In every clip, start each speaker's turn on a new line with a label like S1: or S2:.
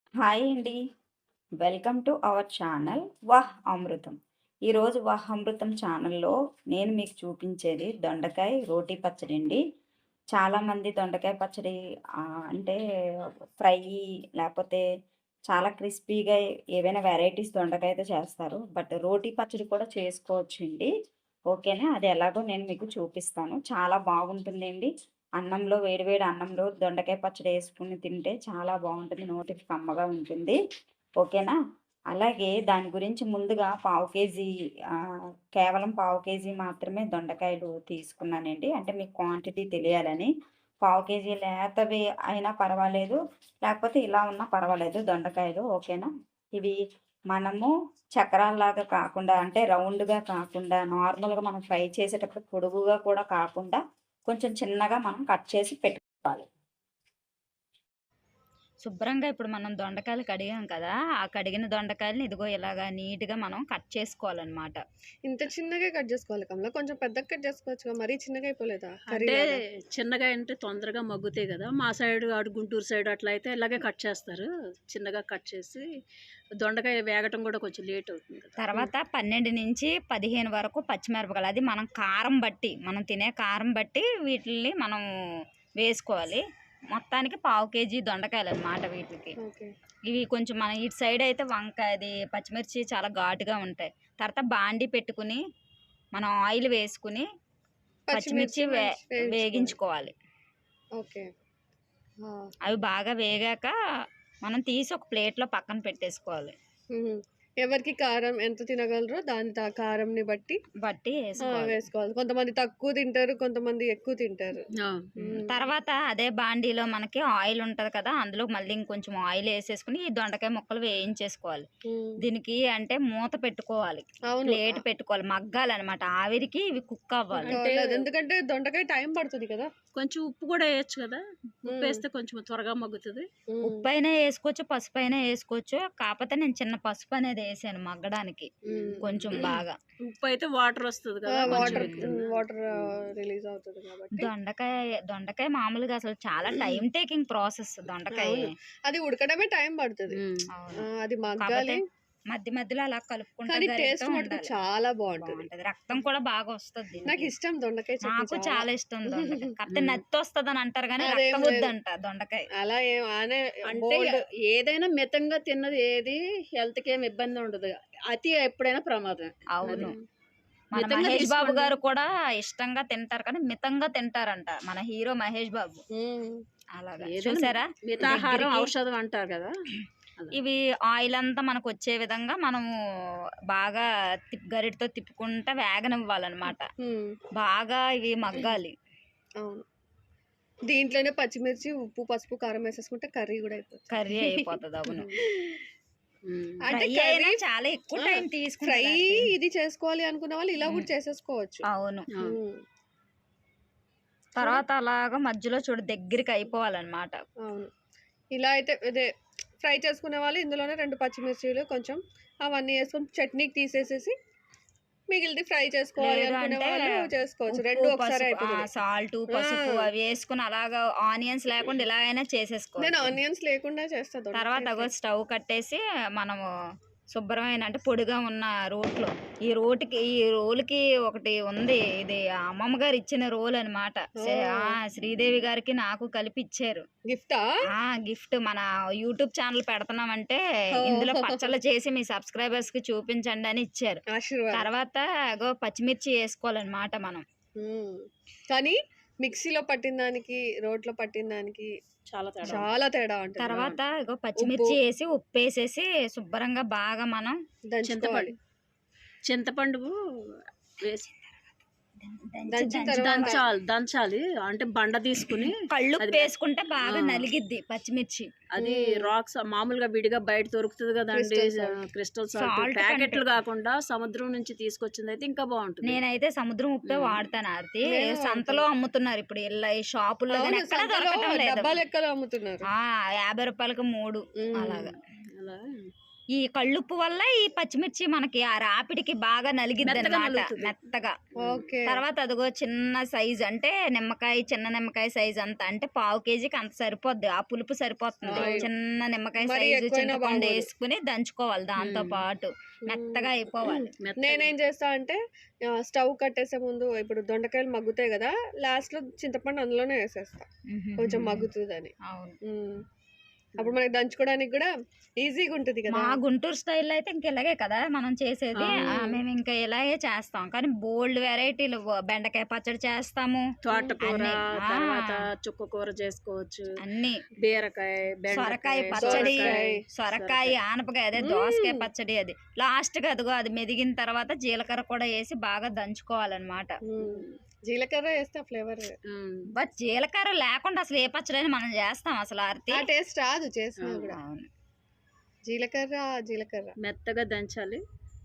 S1: Hi అండి. Welcome to our channel వాహ్ అమృతం. ఈరోజు వాహ్ అమృతం ఛానల్‌లో నేను మీకు చూపించేది దొండకాయ రోటి పచ్చడి అండి. చాలామంది దొండకాయ పచ్చడి అంటే ఫ్రై లేపోతే చాలా క్రిస్పీగా ఏవైనా వెరైటీస్ దొండకాయతో చేస్తారు. బట్ రోటి పచ్చడి కూడా చేసుకోవచ్చండి. ఓకేనా? అది ఎలాగో నేను మీకు చూపిస్తాను. చాలా బాగుంటుందండి. అన్నంలో వేడి వేడి అన్నంలో దొండకాయ పచ్చడి యేసుకొని తింటే చాలా బావుంటుంది. నోటికి కమ్మగా ఉంటుంది. ఓకేనా? అలాగే దాని గురించి ముందుగా పావు కేజీ కేవలం పావు కేజీ మాత్రమే దొండకాయలు తీసుకున్నానండి. అంటే మీకు క్వాంటిటీ తెలియాలని. పావు కేజీ లేతవి అయినా పర్వాలేదు. లేకపోతే ఇలా ఉన్నా పర్వాలేదు దొండకాయలు. ఓకేనా? ఇవి మనము చక్రాల్లాగా కాకుండా అంటే రౌండ్‌గా కాకుండా నార్మల్‌గా మనం ఫ్రై చేసేటప్పుడు పొడుగుగా కూడా కాకుండా కొంచెం చిన్నగా మనం కట్ చేసి పెట్టుకోవాలి. శుభ్రంగా ఇప్పుడు మనం దొండకాయలు కడిగాం కదా! ఆ కడిగిన దొండకాయలని ఇదిగో ఇలాగా నీట్‌గా మనం కట్ చేసుకోవాలనమాట.
S2: ఇంత చిన్నగా కట్ జేసుకోవాలి కమల. కొంచెం పెద్దగా కట్ జేసుకోవచ్చుగా. మరీ చిన్నగా అయిపోలేదా
S3: అంటే
S2: కర్రీలాగా?
S3: చిన్నగా అంటే తొందరగా మగ్గుతాయి గదా! మా సైడు అటు గుంటూరు సైడ్ అట్లా అయితే ఇలాగే కట్ చేస్తారు. చిన్నగా కట్ చేసి దొండకాయ వేగటం గూడా కొంచెం లేట్ అవుతుంది కదా!
S1: తర్వాత 12-15 వరకు పచ్చిమిరపకాయలు. అది మనం కారం బట్టి, మనం తినే కారం బట్టి వీటిల్ని మనం వేసుకోవాలి. మొత్తానికి పావు కేజీ దొండకాయలనమాట వీటికి.
S2: ఓకే.
S1: ఇవి కొంచెం మన ఇటు సైడ్ అయితే అది పచ్చిమిర్చి చాలా ఘాటుగా ఉంటాయి. తర్వాత బాండీ పెట్టుకుని, మనం ఆయిల్ వేసుకుని, పచ్చిమిర్చి
S2: వేయించుకోవాలి.
S1: వేగించుకోవాలి.
S2: ఓకే. ఆ!
S1: అవి బాగా వేగాక మనం తీసి ఒక ప్లేట్‌లో పక్కన పెట్టేసుకోవాలి.
S2: హుహు. ఎవరికి కారం ఎంత తినగలరో దాని కారంని బట్టి
S1: వేసుకోవాలి.
S2: వేసుకోవాలి. కొంతమంది తక్కువ తింటారు. కొంతమంది ఎక్కువ తింటారు.
S3: ఆ!
S1: తర్వాత అదే బాండీలో మనకి ఆయిల్ ఉంటది కదా! అందులో మళ్ళీ ఇంకొంచెం ఆయిల్ ఏసేసుకొని ఈ దొండకాయ ముక్కలు వేయించేసుకోవాలి.
S2: హ్మ్.
S1: దీనికి అంటే మూత పెట్టుకోవాలి.
S2: అవును.
S1: ప్లేట్ పెట్టుకోవాలి. మగ్గాలనమాట. ఆవిరికి ఇవి కుక్ అవ్వాలి.
S2: ఎందుకంటే దొండకాయ టైం పడుతది కదా!
S3: కొంచెం ఉప్పు గూడా ఎయొచ్చు గదా!
S2: హ్మ్.
S3: ఉప్పేస్తే కొంచెం త్వరగా మగ్గుతది.
S1: ఉప్పైనా ఏసుకోవచ్చు, పసుపైనా ఏసుకోవచ్చు. కాపోతే నేను చిన్న పసుపు అనేది ఏసాను మగ్గడానికి. కొంచెం బాగా.
S3: ఉప్పయితే వాటర్ వస్తది కదా! కొంచెం ఎత్తున.
S2: వాటర్ రిలీజ్ అవుతది కాబట్టి.
S1: దొండకాయ మామూలుగా అసలు చాలా టైమ్ టేకింగ్ ప్రాసెస్ దొండకాయ.
S2: అవును. అది ఉడకడమే టైం పడతది.
S1: అవును.
S2: అది
S1: కాపోతే
S2: మగ్గాలి.
S1: మధ్య మధ్యలో అలా కలుపుకుంటా
S2: కానీ
S1: గరిటెతో
S2: టేస్ట్ మటుకు
S1: ఉండాలి.
S2: చాలా బావుంటది.
S1: బావుంటది. రక్తం కూడా బాగా వస్తది దీనికి.
S2: నాకిష్టం దొండకాయ చట్నీ
S1: నాకు
S2: చాలా.
S1: చాలా ఇష్టం దొండకాయ. కాపోతే నత్తొస్తదని అంటారు గానీ
S2: అదేం
S1: రక్తం
S2: లేదు.
S1: వద్దంట దొండకాయ.
S2: అలా ఏం
S3: అంటే
S2: బోల్డ్.
S3: ఏదైనా మితంగా తిన్నది ఏది హెల్త్‌కి ఏమి ఇబ్బంది ఉండదు. అతి ఎప్పుడైనా ప్రమాదమే.
S1: అవును.
S3: అది.
S1: మన
S3: మితంగా
S1: మహేష్ బాబు
S3: తీసుకోండి.
S1: గారు కూడా ఇష్టంగా తింటారు కానీ మితంగా తింటారంట. మన హీరో మహేష్ బాబు.
S2: హ్మ్.
S1: అలాగా.
S3: ఏదైనా
S1: చూసారా?
S3: మితాహారం
S1: దగ్గరికి
S3: ఔషధం అంటారు కదా! అలా.
S1: ఇవి ఆయిల్ అంతా మనకొచ్చే విధంగా మనము బాగా గరిటెతో తిప్పుకుంటా వేగనివ్వాలనమాట.
S2: హ్మ్.
S1: బాగా ఇవి మగ్గాలి.
S2: అవును. దీంట్లోనే పచ్చిమిర్చి, ఉప్పు, పసుపు, కారం వేసేసుకుంటే కర్రీ గూడా అయిపోతది.
S1: కర్రీ అయిపోతది. అవును.
S3: హ్మ్.
S2: అంటే
S1: ఫ్రై అయినా
S2: కర్రీ
S1: చాలా ఎక్కువ
S2: ఆ!
S1: టైం
S2: ఫ్రై
S1: తీసుకుంటది.
S2: ఇది చేసుకోవాలి అనుకున్న వాళ్ళు ఇలా గూడా చేసేసుకోవచ్చు.
S1: అవును.
S3: ఆ!
S2: హ్మ్.
S1: తర్వాత అలాగా మధ్యలో చూడు దగ్గరికి అయిపోవాలనమాట.
S2: అవును. ఇలా అయితే ఇదే ఫ్రై చేసుకునే వాళ్ళు ఇందులోనే 2 పచ్చిమిర్చీలు కొంచెం అవన్నీ యేసుకొని చట్నీకి తీసేసేసి మిగిలిది ఫ్రై చేసుకోవాలి
S1: లేదు
S2: అనుకునే
S1: అంటే
S2: వాళ్ళు చేసుకోవచ్చు.
S1: ఉప్పు,
S2: 2 ఒకసారే
S1: పసుపు
S2: అయిపోతది.
S1: సాల్టు,
S2: ఆ!
S1: పసుపు అవి యేసుకొని అలాగా ఆనియన్స్ లేకుండా ఇలా అయినా
S2: నేను
S1: చేసేసుకోవచ్చు.
S2: ఆనియన్స్ లేకుండా చేస్తా
S1: తర్వాత
S2: దొండకాయ
S1: అగో
S2: ఫ్రై.
S1: స్టవ్ కట్టేసి మనము శుభ్రమైన అంటే పొడిగా ఉన్న రోట్లో ఈ రోలుకి ఒకటి ఉంది. ఇది అమ్మమ్మ గారు ఇచ్చిన రోల్ అనమాట.
S2: ఓహ్!
S1: శ్రీదేవి గారికి నాకు కలిపి ఇచ్చారు.
S2: గిఫ్టా?
S1: గిఫ్ట్ మన యూట్యూబ్ ఛానల్ పెడుతున్నామంటే ఇందులో
S2: ఓహ్!
S1: పచ్చళ్ళు చేసి మీ సబ్స్క్రైబర్స్‌కి చూపించండి అని ఇచ్చారు.
S2: ఆశీర్వాదం.
S1: తర్వాత పచ్చిమిర్చి ఏసుకోవాలనమాట మనం.
S2: హ్మ్. కానీ మిక్సీలో పట్టిన దానికి, రోట్లో పట్టిన దానికి
S3: చాలా తేడా ఉంటది.
S2: చాలా తేడా ఉంటది.
S1: తర్వాత
S2: ఉప్పు
S1: పచ్చిమిర్చి ఏసి, ఉప్పేసేసి శుభ్రంగా బాగా మనం
S2: దంచుకోవాలి.
S3: చింతపండు వేసి
S2: దంచిన తర్వాత
S3: దంచాలి. అంటే బండ తీసుకొని అది
S1: కళ్ళుప్పేసుకుంటే బాగా
S3: ఆ!
S1: నలిగిద్ది పచ్చిమిర్చి.
S3: అది రాక్స్ మామూలుగా విడిగా బయట దొరుకుతది కదండీ!
S2: Crystal salt.
S3: Crystal salt
S1: salt
S3: ప్యాకెట్లు
S1: కంటే
S3: కాకుండా సముద్రం నుంచి తీసుకొచ్చిందయితే ఇంకా బావుంటది.
S1: నేనైతే సముద్రం ఉప్పే
S3: హ్మ్.
S1: వాడతాను ఆరతి.
S2: నేను
S1: సంతలో అమ్ముతున్నారు ఇప్పుడు ఈ షాపుల్లో గాని
S2: అవును.
S1: ఎక్కడా
S2: సంతలో
S1: దొరకటం లేదు.
S2: డబ్బా లెక్కలో అమ్ముతున్నారు.
S1: రూ. 50కి 3
S2: హ్మ్.
S1: అలాగా.
S3: అలా
S1: ఈ కళ్ళుప్పు వల్ల ఈ పచ్చిమిర్చి మనకి ఆ రాపిడికి బాగా నలిగిద్ది
S3: మెత్తగా
S1: అన్నమాట,
S3: నలుగుతుంది.
S1: మెత్తగా.
S2: ఓకే.
S1: తర్వాత అదిగో చిన్న సైజ్ అంటే చిన్న నిమ్మకాయ సైజ్ అంత అంటే 1/2 కేజీకి అంత సరిపోద్ది, ఆ పులుపు సరిపోతుంది.
S2: అవును.
S1: చిన్న నిమ్మకాయ
S2: మరి
S1: సైజు
S2: ఎక్కువైనా
S1: చింతపండు
S2: బాగోదు.
S1: వేసుకుని దంచుకోవాలి దాంతో పాటు, మెత్తగా అయిపోవాలి.
S2: నేనేం చేస్తా అంటే స్టవ్ కట్టేసే ముందు ఇప్పుడు దొండకాయలు మగ్గుతాయి కదా, లాస్ట్ లో చింతపండు అందులోనే వేసేస్తా కొంచెం మగ్గుతుందని.
S1: అవును.
S2: అప్పుడు మనకి దంచుకోవడానికి కూడా ఈజీగా ఉంటుంది కదా.
S1: మా గుంటూరు స్టైల్లో అయితే ఇంక ఇలాగే కదా మనం చేసేది. మేము ఇంకా ఇలాగే చేస్తాం, కానీ బోల్డ్ వెరైటీలు బెండకాయ పచ్చడి చేస్తాము,
S3: తోటకూర,
S1: అన్ని.
S3: తర్వాత చుక్క కూర చేసుకోవచ్చు,
S1: అన్ని
S3: బీరకాయ,
S1: సొరకాయ
S3: బెండకాయ,
S1: పచ్చడి,
S2: సొరకాయ,
S1: సొరకాయ ఆనపకాయ, అదే దోసకాయ పచ్చడి. అది లాస్ట్ గా అదిగో అది మెదిగిన తర్వాత జీలకర్ర కూడా వేసి బాగా దంచుకోవాలన్నమాట.
S2: జీలకర్ర వేస్తే ఫ్లేవర్,
S1: బట్ జీలకర్ర లేకుండా అసలు ఏ పచ్చడి మనం చేస్తాం అసలు ఆర్తి?
S2: ఆ టేస్ట్ రాదు చేసినా కూడా.
S1: అవును.
S2: జీలకర్ర
S3: మెత్తగా దంచాలి.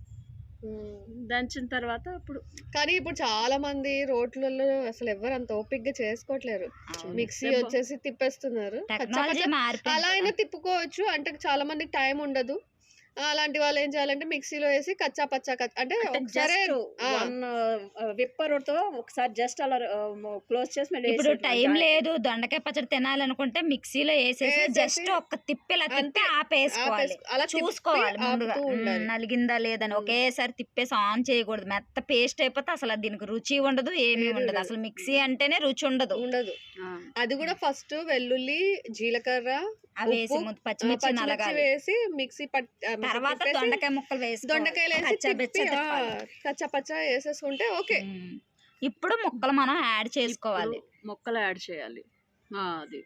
S3: దంచిన తర్వాత అప్పుడు
S2: కానీ ఇప్పుడు చాలా మంది రోట్లలో అసలు ఎవరు అంత ఓపిక్ గా చేసుకోవట్లేరు. మిక్సీ వచ్చేసి తిప్పేస్తున్నారు.
S1: టెక్నాలజీ మారిపోయింది
S2: అలా అయినా తిప్పుకోవచ్చు, అంటే చాలా మందికి టైం ఉండదు. అలాంటి వాళ్ళు ఏం చేయాలంటే మిక్సీలో వేసి కచ్చా పచ్చా అంటే ఒకసారి
S3: విప్పర్ తో ఒకసారి జస్ట్ అలా క్లోజ్ చేసి మళ్ళీ
S1: ఇప్పుడు టైం లేదు దొండకాయ పచ్చడి తినాలనుకుంటే మిక్సీలో వేసేసి జస్ట్ ఒక్క తిప్పిలా తిప్పి ఆపేసుకోవాలి,
S2: అలా
S1: చూసుకోవాలి ముందుగా
S2: ఆపుతూ ఉండాలి.
S1: నలిగిందా లేదని. ఒకేసారి తిప్పేసి ఆన్ చేయకూడదు, మెత్త పేస్ట్ అయిపోతే అసలు దీనికి రుచి ఉండదు, ఏమీ ఉండదు. అసలు మిక్సీ అంటేనే రుచి ఉండదు.
S2: అది కూడా ఫస్ట్ వెల్లుల్లి, జీలకర్ర
S1: వేసి పచ్చిమిర్చి నలగాలి,
S2: వేసి మిక్సీ
S1: తర్వాత దొండకాయ ముక్కలు వేసి
S2: దొండకాయలు వేసి కచ్చా పచ్చా వేసేసుకుంటే ఓకే.
S1: ఇప్పుడు ముక్కలు మనం యాడ్ చేసుకోవాలి,
S3: ముక్కలు యాడ్ చేయాలి. అది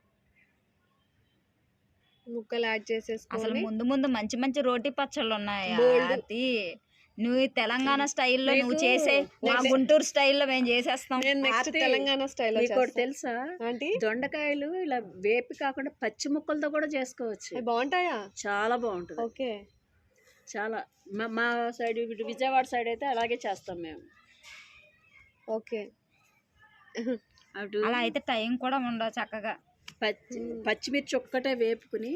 S2: ముక్కలు యాడ్
S1: అసలు
S2: చేసేసుకోవాలి.
S1: ముందు ముందు మంచి మంచి రోటీ పచ్చళ్ళు ఉన్నాయి.
S2: Bold.
S1: అది నువ్వు ఈ తెలంగాణ స్టైల్లో నువ్వు చేసే, మా గుంటూరు స్టైల్లో మేము చేసేస్తాం.
S2: నేను నెక్స్ట్ తెలంగాణ స్టైల్
S3: తెలుసా
S2: ఆంటీ,
S3: దొండకాయలు ఇలా వేపి కాకుండా పచ్చి ముక్కలతో కూడా చేసుకోవచ్చు.
S2: బాగుంటాయా?
S3: చాలా బాగుంటుంది.
S2: ఓకే.
S3: చాలా మా సైడ్ విజయవాడ సైడ్ అయితే అలాగే చేస్తాం మేము.
S2: ఓకే.
S3: అటు
S1: అలా అయితే టైం కూడా ఉండదు, చక్కగా
S3: పచ్చిమిర్చి ఒక్కటే వేపుకుని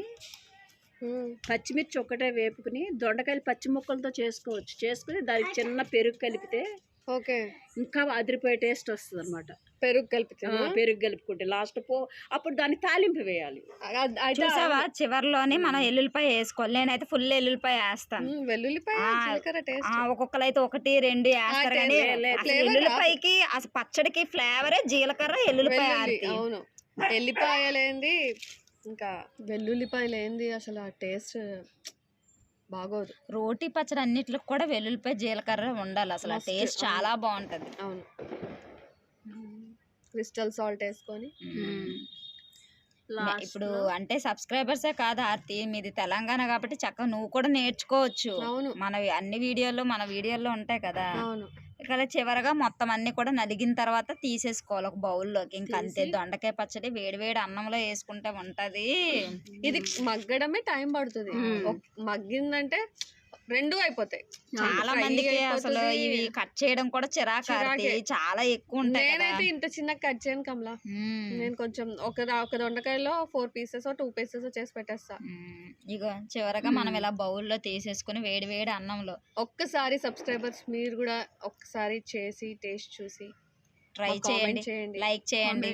S3: దొండకాయలు పచ్చి ముక్కలతో చేసుకోవచ్చు. చేసుకుని దానికి చిన్న పెరుగు కలిపితే
S2: ఓకే
S3: ఇంకా అదిరిపోయే టేస్ట్ వస్తుంది అనమాట.
S2: పెరుగు కలిపితే
S3: పెరుగు కలుపుకుంటే లాస్ట్ అప్పుడు దాన్ని తాలింపు వేయాలి.
S1: చూసావా చివర్లోని మనం ఎల్లుల్లిపాయ వేసుకోవాలి. నేనైతే ఫుల్ ఎల్లుల్లిపాయ వేస్తాను.
S2: వెల్లుల్లిపాయ జీలకర్ర టేస్ట్
S1: ఒక్కొక్కరు అయితే 1, 2 వేస్తారు, కానీ అసలు ఎల్లుల్లిపాయకి అసలు పచ్చడికి ఫ్లేవరే జీలకర్ర ఎల్లుల్లిపాయ.
S2: అవును, ఎల్లిపాయలేంది ఇంకా వెల్లుల్లిపాయలేంది అసలు ఆ టేస్ట్ బాగోదు.
S1: రోటీ పచ్చడి అన్నిటికి కూడా వెల్లుల్లిపాయ జీలకర్ర ఉండాలి, అసలు ఆ టేస్ట్ చాలా బాగుంటది.
S2: అవును, క్రిస్టల్ సాల్ట్ వేసుకొని.
S1: ఇప్పుడు అంటే సబ్స్క్రైబర్సే కాదు ఆర్తి, మీది తెలంగాణ కాబట్టి చక్కగా నువ్వు కూడా నేర్చుకోవచ్చు.
S2: అవును,
S1: మన అన్ని మన వీడియోల్లో ఉంటాయి కదా.
S2: అవును.
S1: ఇక్కడ చివరగా మొత్తం అన్ని కూడా నలిగిన తర్వాత తీసేసుకోవాలి ఒక బౌల్లోకి. ఇంకా అంతే, దొండకాయ పచ్చడి వేడి వేడి అన్నంలో వేసుకుంటే ఉంటది.
S2: ఇది మగ్గడమే టైం పడుతుంది. మగ్గిందంటే రెండు అయిపోతాయి.
S1: చాలా మందికి అసలు ఇవి కట్ చేయడం కూడా చిరాకు, చాలా ఎక్కువ ఉంటాయి.
S2: నేనైతే ఇంత చిన్న కట్ చేయను కమలా. నేను కొంచెం ఒక దొండకాయలో 4 పీసెస్ 2 పీసెస్ చేసి పెట్టేస్తా.
S1: ఇగో చివరగా మనం ఇలా బౌల్లో తీసేసుకుని వేడి వేడి అన్నంలో.
S2: ఒక్కసారి సబ్స్క్రైబర్స్ మీరు కూడా ఒక్కసారి చేసి టేస్ట్ చూసి
S1: ట్రై చేయండి, లైక్ చేయండి.